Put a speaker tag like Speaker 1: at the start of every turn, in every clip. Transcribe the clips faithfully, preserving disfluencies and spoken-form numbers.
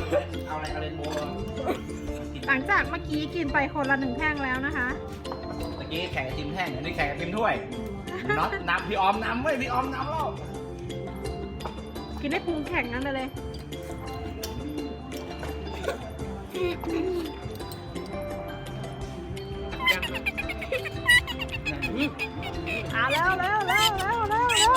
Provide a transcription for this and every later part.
Speaker 1: เอาอะไรเอาเรนโบว์
Speaker 2: หลังจากเมื่อกี้กินไปคนละหนึ่งแท่งแล้วนะคะ
Speaker 1: เมื่อกี้แข่งกับทีมแท่งอันนี้แข่งกับทีมถ้วยน็อตนำพี่ออมนำเว้ยพี่ออมนำแล้ว
Speaker 2: กินได้พุงแข็งนั้นไปเลยอ่ะแล้วแล้วแล้วแล้วแล้วแล้ว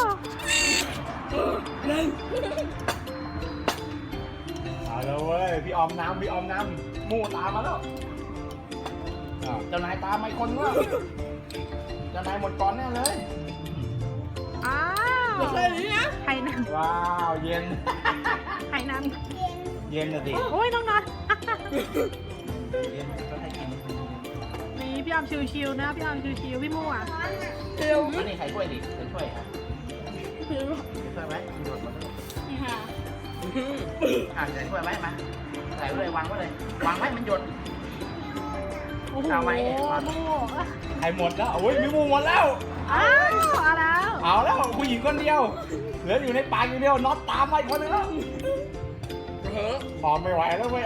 Speaker 1: เอาแล้วเว้ยพี่ออมนำพี่ออมนำมู่ตามมาแล้วอ่ะเจ้านายตามมาอีกคนวะเจ้านายหมดก่อนแน่เลย
Speaker 2: อ้าว
Speaker 3: ไม่เคยนี้นะ
Speaker 2: ไข่นัน
Speaker 1: ว้าวเย็น
Speaker 2: ไข่นัน
Speaker 1: เย็นนะสิ
Speaker 2: โอ้ยน้องนอน
Speaker 1: เย็นก็ให้กิน
Speaker 2: นี่พี่ออมชิวๆนะพี่ออมชิวๆพี่มู่อ่ะ
Speaker 3: เร็ว
Speaker 1: อันนี้ใครช่วยดิใครช่วยครับ
Speaker 3: เร็ว
Speaker 1: ช่วยไหมหยดมาด้วย
Speaker 3: นี่ค่ะ
Speaker 1: อ่ะใส่ช่วยไหมมาใส่ไว้เลยวางไว้เลยวางไว้มันหยด
Speaker 2: โอ้โห
Speaker 1: เอาไหม
Speaker 2: มู่
Speaker 1: ใครหมดแล้วโอ้ยมีหมูหมดแล้ว
Speaker 2: อ้าวเอาแล้ว
Speaker 1: เอาแล้วผู้หญิงคนเดียวเหลืออยู่ในปากอยู่เดียวน็อตตามมาอีกคนนึงแล้ว
Speaker 3: เฮ้อ
Speaker 1: พอไม่ไหวแล้วเว้ย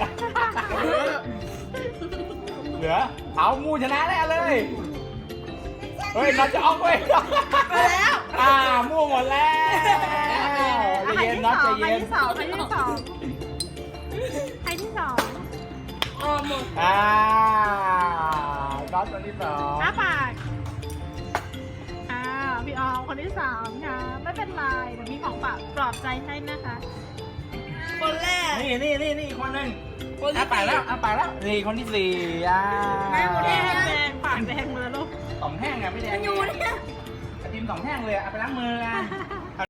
Speaker 1: เหลือเอางูชนะแน่เลยเฮ้ยน็อตจะออกเว้ย
Speaker 3: มาแล้ว
Speaker 1: อ่าม่วงหมดแล้วใจ
Speaker 2: ไข่
Speaker 1: เย็น
Speaker 2: ที่
Speaker 1: น็อต
Speaker 2: ส
Speaker 1: ใจ
Speaker 2: องไข่
Speaker 1: เย็น
Speaker 2: ที่สองไข่ที่สองไข่ที่สอง
Speaker 3: ออมหมด
Speaker 1: อ่าน็อตคนที่สอง
Speaker 2: อ้าปากอ้าวพี่ออมคนที่สามค่ะไม่เป็นไรเดี๋ยวมีของฝากปลอบใจให้นะคะ
Speaker 3: คนแรก
Speaker 1: นี่นี่นี่นี่คนหนึ่ง
Speaker 3: คนที่
Speaker 1: อ่ะไปแล้วอ่ะไปแล้วนี่คนที่สี่อ่า
Speaker 3: แม่หมด
Speaker 2: แด
Speaker 3: แล้ว
Speaker 2: งแดงปากแดงมาลูก
Speaker 1: สองแท่งอ่ะไม่แดง
Speaker 3: อยู่เนี่ย
Speaker 1: ไอติมสองแท่งเลยอ่ะเอาไปล้างมือกัน
Speaker 2: ฮ่าฮ่า